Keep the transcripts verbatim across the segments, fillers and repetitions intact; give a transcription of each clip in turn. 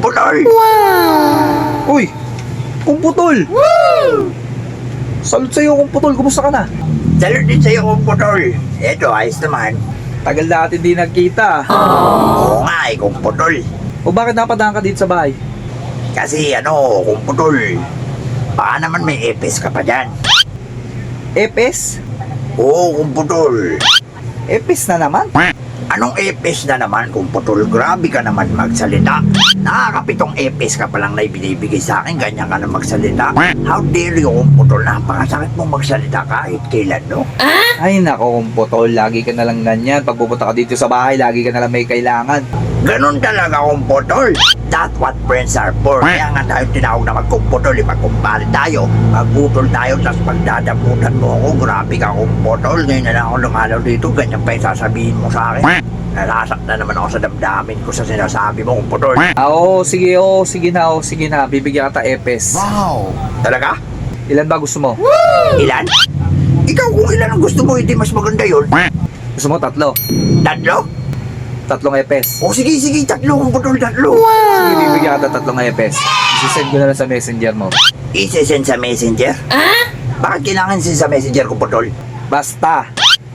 kumputol! Uy! Kumputol! Woo! Salud sa'yo, Kumputol. Kumusta ka na? Salud din sa'yo, kumputol. Eto, ayos naman. Tagal na natin di nagkita. Oo nga eh, kumputol. O bakit napadaan ka dito sa bahay? Kasi ano, kumputol, baka naman may epes ka pa dyan. Epes? Oo, kumputol. Epes na naman? Anong epes na naman, kumputol? Grabe ka naman magsalita. Nakakapitong epes ka palang na ibinibigay sa akin, ganyan ka na magsalita. How dare you, kumputol? Napakasakit mong magsalita kahit kailan, no? Ay nako, Kumputol. Lagi ka na lang ganyan. Pag pupunta ka dito sa bahay, lagi ka na lang may kailangan. Ganon talaga, kumputol. That's what friends are for. Kaya nga tayo tinawag na magkumputol. Ipagkumpare tayo. Magputol tayo, tapos pagdadamutan mo ako. Grabe ka, kumputol. Ngayon na lang ako lumalaw dito. Ganyan pa yung sasabihin mo sa akin. Nasasaktan naman ako sa damdamin ko sa sinasabi mo, kumputol. Ah, oo, sige, oo, sige na, oo, sige na. Bibigyan kita Epes. Wow! Talaga? Ilan ba gusto mo? Ilan? Ikaw kung ilan ang gusto mo, hindi mas maganda yun. Gusto mo tatlo? Tatlo? Tatlong Epes. O sige, sige, tatlo, kumputol, tatlo. Sige, bibigyan kita tatlong Epes. Isisend ko na lang sa messenger mo. I-send sa messenger? Ah? Bakit kailangan send sa messenger, kumputol? Basta.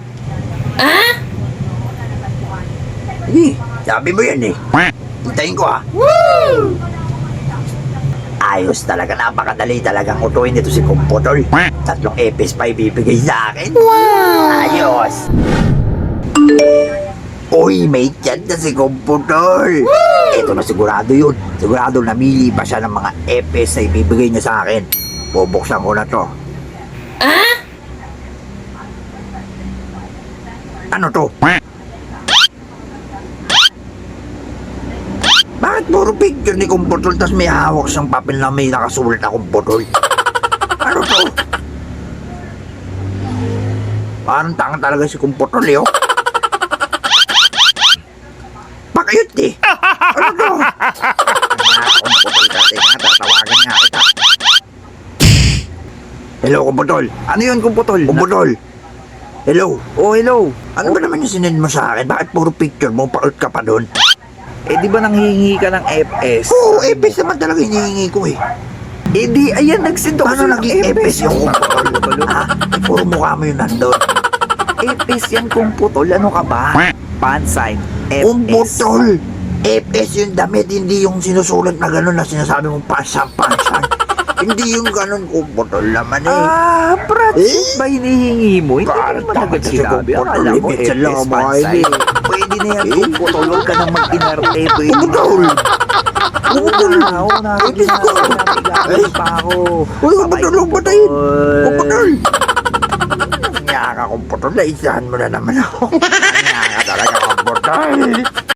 Hindi, sabi mo yan eh. Hintayin ko ah. Ayos talaga, napakadali talagang utuin nito si Kumputol. Tatlong epes pa ibibigay sa akin. Ayos. Uy, may chat na si Kumputol. Ito na sigurado yun. Sigurado namili pa siya ng mga epes na ibibigay niya sa akin. Bubuksan ko na to. Ano to? Bakit puro picture ni Kumputol tas may hawak siyang papel na may nakasulat na Kumputol? Ano to? Parang tanga talaga si Kumputol eh, oh. Pakayot eh. Ano to? Ano Kumputol kasi nga, tatawagan nga kita. Hello, Kumputol. Ano yun, Kumputol? Kumputol. Hello. Oh, hello. Ano ba naman yung sinend mo sa akin? Bakit puro picture mo? Pakot ka pa doon? Eh, di ba nanghihingi ka ng Epes? Oo, epes naman talaga hinihingi ko eh. Eh, di, ayan, nagsinto Paano naging epes yung Kumputol? Ha? Eh, puro mukha mo yun nandun. Epes yan, Kumputol. Ano ka ba? Pan sign. Epes. Kumputol! Epes yung damit, hindi yung sinusulat na gano'n na sinasabi mong pasan-pasan. Hindi yung gano'n, Kumputol naman eh. Ah, prats. Eh? Ba hinihingi mo? Hindi ko Parang naman agad takot si sinabi. Kumputol. Akala mo, Ibig lang Epes, ang pan mga sign. ini. Pwede na yan, Eh? Kumputol. Huwag ka nang mag-inarte. Pwede Kumputol! Kumputol! Oo, na. Sige na. Epes ko! Nagigagawin pa ako. Uy, Kumputol, huwag patayin! Kumputol. Kumputol! Nga ka, Kumputol. Naisahan mo na naman ako. Nga ka talaga, Kumputol.